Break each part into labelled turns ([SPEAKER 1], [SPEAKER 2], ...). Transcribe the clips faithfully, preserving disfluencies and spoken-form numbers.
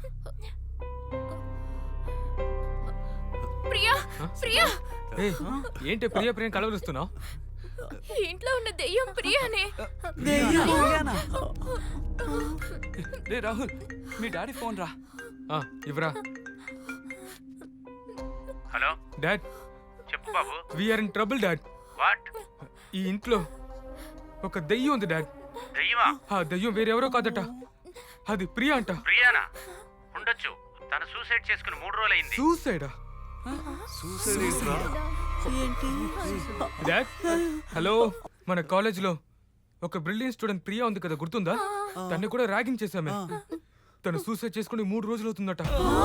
[SPEAKER 1] ప్రియా ప్రియా
[SPEAKER 2] ఏయ్, ఏంటి ప్రియా ప్రియం కలవరుస్తున్నావు?
[SPEAKER 1] ఇంట్లో ఉన్న దెయ్యం ప్రియానే.
[SPEAKER 3] రే రాహుల్, మీ డాడీ ఫోన్ రా.
[SPEAKER 2] ఆ, ఇవ్వరా.
[SPEAKER 4] హలో
[SPEAKER 2] డాడ్,
[SPEAKER 4] చెప్పు బాబు.
[SPEAKER 2] We're in trouble dad.
[SPEAKER 4] What?
[SPEAKER 2] ఈ ఇంట్లో ఒక దెయ్యం ఉంది డాడ్.
[SPEAKER 4] దెయ్యమా?
[SPEAKER 2] ఆ దెయ్యం వేరెవరో కాదట, అది ప్రియా అంట.
[SPEAKER 4] ప్రియానా? ఉండొచ్చు, తను సూసైడ్ చేసుకుని మూడు రోజులైంది.
[SPEAKER 2] సూసైడా? డాడ్ హలో, మన కాలేజ్ లో ఒక బ్రిలియన్ స్టూడెంట్ ప్రియా ఉంది కదా, గుర్తుందా? తన్ని కూడా ర్యాగింగ్ చేశామే. తను సూసైడ్ చేసుకుని మూడు రోజులు అవుతుందట.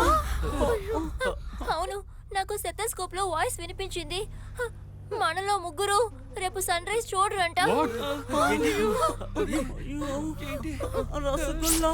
[SPEAKER 1] అవును, నాకు సెతస్కోప్ లో వాయిస్ వినిపించింది. మనలో ముగ్గురు రేపు సన్ రైజ్ చూడరంట.
[SPEAKER 5] రసగుల్లా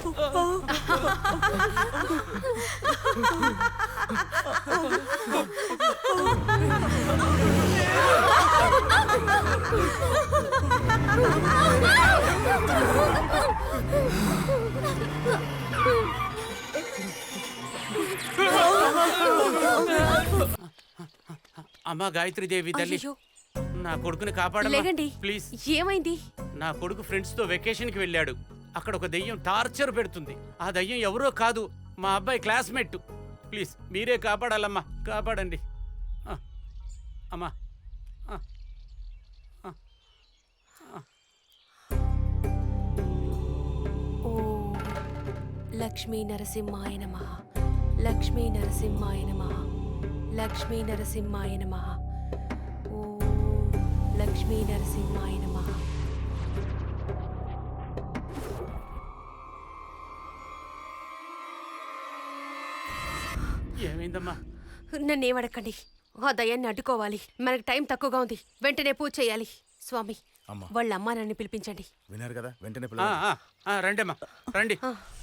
[SPEAKER 6] అమ్మా గాయత్రీదేవి తల్లి,
[SPEAKER 7] అయ్యో,
[SPEAKER 6] నా కొడుకుని కాపాడమ్మా
[SPEAKER 7] లేకండి.
[SPEAKER 6] ప్లీజ్.
[SPEAKER 7] ఏమైంది?
[SPEAKER 6] నా కొడుకు ఫ్రెండ్స్ తో వెకేషన్ కి వెళ్ళాడు. అక్కడ ఒక దయ్యం టార్చర్ పెడుతుంది. ఆ దయ్యం ఎవరో కాదు, మా అబ్బాయి క్లాస్మేట్. ప్లీజ్ మీరే కాపాడాలమ్మా, కాపాడండి. ఆ, అమ్మా ఆ, ఆ, ఆ.
[SPEAKER 7] ఓ లక్ష్మీ నరసింహాయ నమః, లక్ష్మీ నరసింహాయ నమః, లక్ష్మీ నరసింహాయ నమః. ఓ లక్ష్మీ నరసింహాయ నమః.
[SPEAKER 6] ఏమైందమ్మా?
[SPEAKER 7] నన్నేమడకండి, ఆ దయాన్ని అడ్డుకోవాలి. మనకు టైం తక్కువగా ఉంది, వెంటనే పూజ చేయాలి. స్వామి, వాళ్ళ అమ్మా నన్ను పిలిపించండి.
[SPEAKER 8] విన్నారు కదా, వెంటనే
[SPEAKER 6] ఆ, ఆ, ఆ, రండమ్మా రండి.